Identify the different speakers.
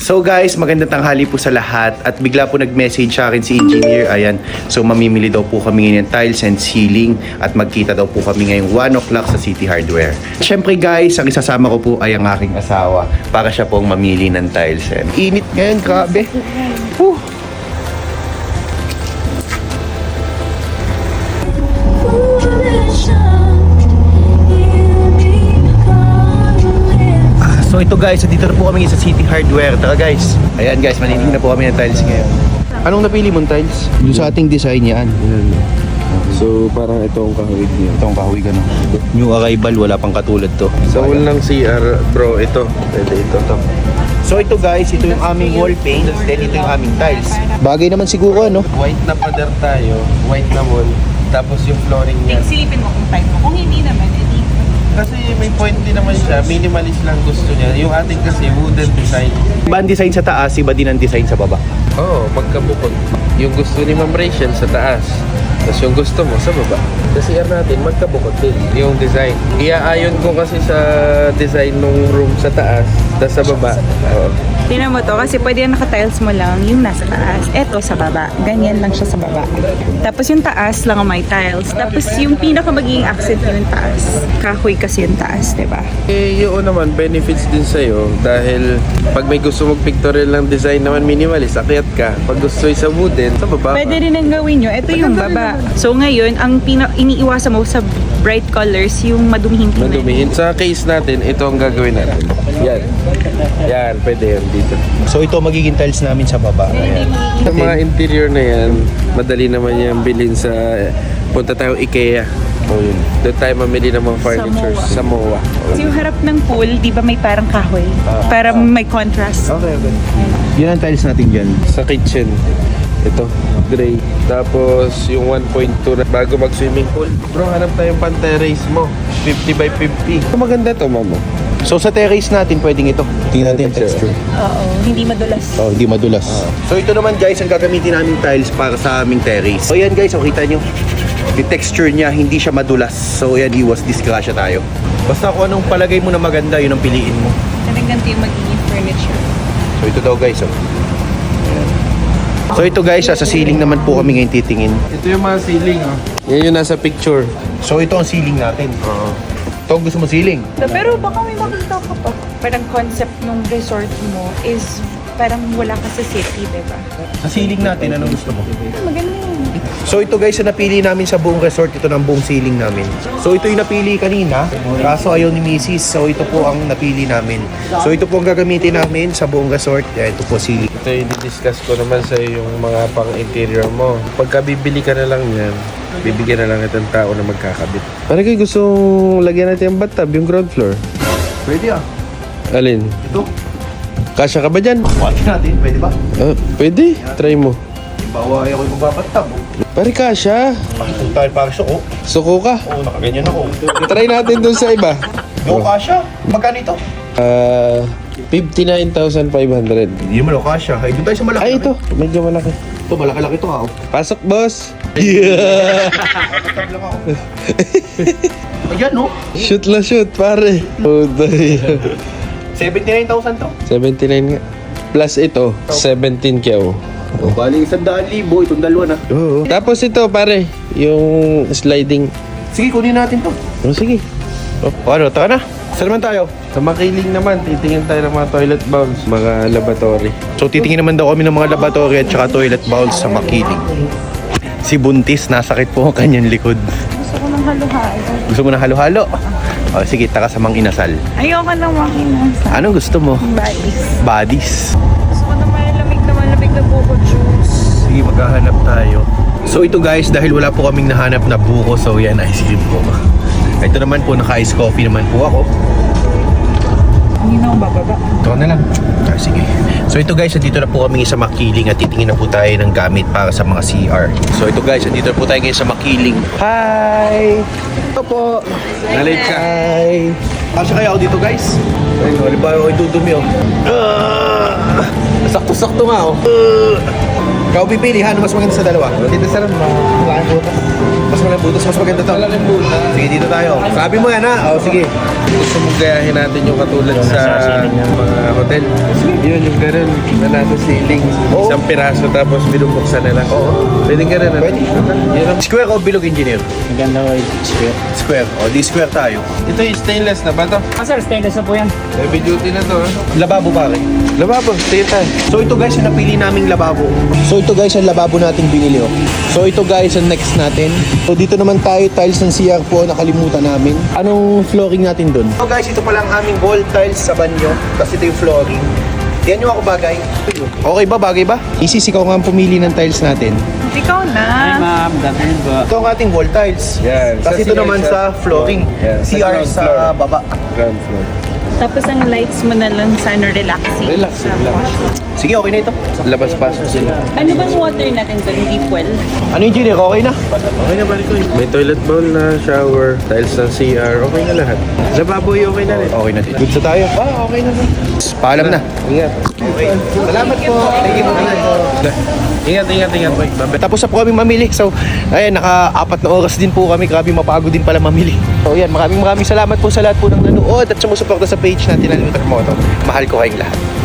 Speaker 1: So guys, magandang tanghali po sa lahat at bigla po nag-message sa akin si engineer. Ayan, so mamimili daw po kami ngayon ng tiles and ceiling at magkita daw po kami ngayong 1 o'clock sa City Hardware. Siyempre guys, ang isasama ko po ay ang aking asawa para siya pong mamili ng tiles. And init ngayon, grabe. Whew. So ito guys, dito na po kami sa City Hardware. Tara guys. Ayan guys, manilinig na po kami ng tiles ngayon. Anong napili mong tiles? Yung sa ating design yan.
Speaker 2: So parang itong kahawig niya.
Speaker 1: Itong kahawig ano. New arrival, wala pang katulad to.
Speaker 2: Sa wall ng CR, bro, ito. Pwede ito.
Speaker 1: So ito guys, ito yung aming wall paint. Then ito yung aming tiles. Bagay naman siguro ano.
Speaker 2: White na pader tayo, white na wall. Tapos yung flooring niya.
Speaker 3: Silipin mo kung type mo. Kung hindi naman, edi.
Speaker 2: Kasi may point din naman siya, minimalist lang gusto niya. Yung ating kasi wooden design.
Speaker 1: Iba ang design sa taas, iba din ang design sa baba.
Speaker 2: Oo, magkabukod. Yung gusto ni Ma'am Rachel sa taas. Tapos yung gusto mo sa baba. Sa CR natin, magkabukod din yung design. Iaayon ko kasi sa design ng room sa taas, tapos sa baba. Oo.
Speaker 3: Tingnan mo to kasi pwede na naka-tiles mo lang yung nasa taas. Eto sa baba. Ganyan lang siya sa baba. Tapos yung taas lang ang may tiles. Tapos yung pinaka magiging accent yung taas. Kahoy kasi yung taas, diba?
Speaker 2: Eh, yun naman, benefits din sa'yo dahil pag may gusto mong pictorial ng design naman minimalist, akyat ka. Pag gusto sa wooden, sa baba
Speaker 3: Pwede
Speaker 2: ka.
Speaker 3: rin ang gawin nyo. Ito yung baba. So ngayon, ang iniiwasan mo sa bright colors, yung madumihin tingnan.
Speaker 2: Madumihin. Sa case natin, ito ang gagawin natin. Yan. Yan, pwede yan dito.
Speaker 1: So ito magiging tiles namin sa baba. Ayan.
Speaker 2: Sa mga interior na yan, madali naman yan bilhin sa... Punta tayo IKEA. O yun. Doon tayo mamili ng mga furniture sa MOA.
Speaker 3: So yung harap ng pool, di ba may parang kahoy? Para may contrast.
Speaker 1: Okay. Yun ang tiles natin dyan.
Speaker 2: Sa kitchen, ito, gray. Tapos yung 1.2 na bago mag-swimming pool. Bro, hanap tayong pan-terrace mo. 50 by 50. Maganda to, mamo.
Speaker 1: So sa terrace natin, pwedeng ito. Tingnan natin yung texture.
Speaker 3: Oo, hindi madulas.
Speaker 1: Oh, hindi madulas. So ito naman guys, ang gagamitin namin tiles para sa aming terrace. So yan guys, oh, kita nyo. Yung texture niya, hindi siya madulas. So yan, iwas disgrasya tayo. Basta kung anong palagay mo na maganda, yun ang piliin mo.
Speaker 3: Talagang ganito yung magiging furniture.
Speaker 1: So ito daw guys, oh. Ayan. So ito guys, sa ceiling naman po kami ngayon titingin.
Speaker 2: Ito yung mga ceiling, oh. Yan yung nasa picture.
Speaker 1: So ito ang ceiling natin. Ito ang gusto mo ceiling.
Speaker 3: Pero baka may makita ka pa. Parang concept ng resort mo is parang wala ka sa city, diba?
Speaker 1: Sa ceiling natin, anong gusto mo?
Speaker 3: Maganda yun.
Speaker 1: So ito guys, ang napili namin sa buong resort, ito ng buong ceiling namin. So ito yung napili kanina, kaso ayaw ni Mrs. So ito po ang napili namin. So ito po ang gagamitin namin sa buong resort. Ito po ceiling.
Speaker 2: Ito yung discuss ko naman sa yung mga pang-interior mo. Pagka bibili ka na lang yan, bibigyan na lang itong tao na magkakabit. Parang kayo gusto lagyan natin yung bathtub, yung ground floor.
Speaker 1: Pwede ah.
Speaker 2: Alin?
Speaker 1: Ito.
Speaker 2: Kasya ka ba dyan?
Speaker 1: Watch natin, pwede ba?
Speaker 2: Pwede. Try mo.
Speaker 1: Bawa ako yung magbabatab.
Speaker 2: Pare kasya.
Speaker 1: Pakitong tayo para suko.
Speaker 2: Suko ka.
Speaker 1: Oo, nakaganyan ako.
Speaker 2: Try natin dun sa iba.
Speaker 1: Yo, kasha. Magkano ito?
Speaker 2: 59,500.
Speaker 1: Hindi mo kasha. Ay, doon tayo sa malaki.
Speaker 2: Ay, ito. Medyo malaki.
Speaker 1: Ito, malaki-laki ito ha.
Speaker 2: Pasok, boss.
Speaker 1: Babatab lang ako. Ayan, no?
Speaker 2: Shoot la shoot, pare. Oh,
Speaker 1: 79,000 to.
Speaker 2: 79 nga. Plus ito, 17 kyaw.
Speaker 1: O, bali 100,000. Itong dalawa na.
Speaker 2: Oo. Tapos ito, pare. Yung sliding.
Speaker 1: Sige, kunin natin to.
Speaker 2: Oh, sige.
Speaker 1: O, ano, taka na. Saan naman tayo?
Speaker 2: Sa makiling naman, titingin tayo ng mga toilet bowls, mga lavatory.
Speaker 1: So, titingin naman daw kami ng mga laboratory at saka toilet bowls sa Makiling. Si Buntis, nasakit po ang kanyang likod.
Speaker 3: Gusto ko ng halo-halo.
Speaker 1: Gusto mo na halo-halo? O, sige, taka sa Mang Inasal.
Speaker 3: Ayoko ng makinasa.
Speaker 1: Anong gusto mo?
Speaker 3: Bodies.
Speaker 1: Bodies.
Speaker 3: Gusto ko na malamig na buko juice.
Speaker 1: Sige, maghahanap tayo. So ito guys, dahil wala po kaming nahanap na buko, so yan, ice cream po. Ito naman po, naka-ice coffee naman po ako.
Speaker 3: Hindi na ako bababa.
Speaker 1: Ito na lang. Sige. So ito guys, dito na po kami sa Makiling at titingin na po tayo ng gamit para sa mga CR. So ito guys, dito na po tayo ngayon sa Makiling. Hi! Ito po.
Speaker 2: Nalate ka.
Speaker 1: Hi! Kasya kaya ako dito guys? Ayun, halimbawa ako itudumi oh. Sakto-sakto nga oh. Ikaw pipili ha, ano mas maganda sa dalawa?
Speaker 2: Dito sa rin, malaking butas.
Speaker 1: Mas maganda butas, mas maganda to.
Speaker 2: Malaking butas.
Speaker 1: Sige, dito tayo. Sabi mo yan ha? O, sige.
Speaker 2: Gusto mong gayahin natin yung katulad sa mga hotel. Yun, yung ganun, na nasa ceiling. Isang piraso tapos binubuksan na lang. Pwede ganun.
Speaker 1: Pwede.
Speaker 2: Yun ang
Speaker 1: Square o bilog, engineer?
Speaker 4: Maganda ko square.
Speaker 1: Square. O, di square tayo.
Speaker 2: Ito yung stainless na ba to?
Speaker 4: Sir, stainless na po yan.
Speaker 2: Heavy duty na to, ha?
Speaker 1: Lababo pare.
Speaker 2: Lababo, stay tayo.
Speaker 1: So ito guys, yung napili naming lababo. So ito guys, ang lababo nating binili. Oh. So ito guys, ang next natin. So dito naman tayo, tiles ng CR po, nakalimutan namin. Anong flooring natin dun? So guys, ito pala ang aming wall tiles sa banyo. Tapos ito yung flooring. Yan yung ako bagay. Okay ba? Bagay ba? Isis, ikaw nga ang pumili ng tiles natin.
Speaker 3: Ikaw na.
Speaker 4: Ma'am, datin po.
Speaker 1: Ito ang ating wall tiles.
Speaker 2: Yan.
Speaker 1: Tapos
Speaker 2: Sa
Speaker 1: ito
Speaker 2: CR
Speaker 1: naman
Speaker 2: sa
Speaker 1: sa flooring.
Speaker 2: Yan. Sa
Speaker 1: CR
Speaker 2: ground
Speaker 1: sa
Speaker 2: floor.
Speaker 1: baba.
Speaker 2: Ground floor.
Speaker 3: Tapos ang lights mo na lang sana relaxing.
Speaker 2: Relax, relax.
Speaker 1: Sige, okay na ito.
Speaker 2: Labas-pasok sila.
Speaker 3: Ano bang water natin doon? Deep well?
Speaker 1: Ano yung engineer? Okay na?
Speaker 2: Okay na, balik ko yun. May toilet bowl na, shower, tiles ng CR, okay na lahat. Lababo okay na rin.
Speaker 1: Okay na. Good sa tayo.
Speaker 2: Okay na rin.
Speaker 1: Paalam na.
Speaker 2: Ingat.
Speaker 1: Okay. Salamat po. Thank you po.
Speaker 2: Ingat. Babay.
Speaker 1: Tapos na po kami mamili. So, ayan, naka-4 na oras din po kami. Grabe, mapagod din pala mamili. So, ayan, maraming salamat po sa lahat po ng nanood at sumusuporta sa page natin ng Lutar Moto. Mahal ko kayong lahat.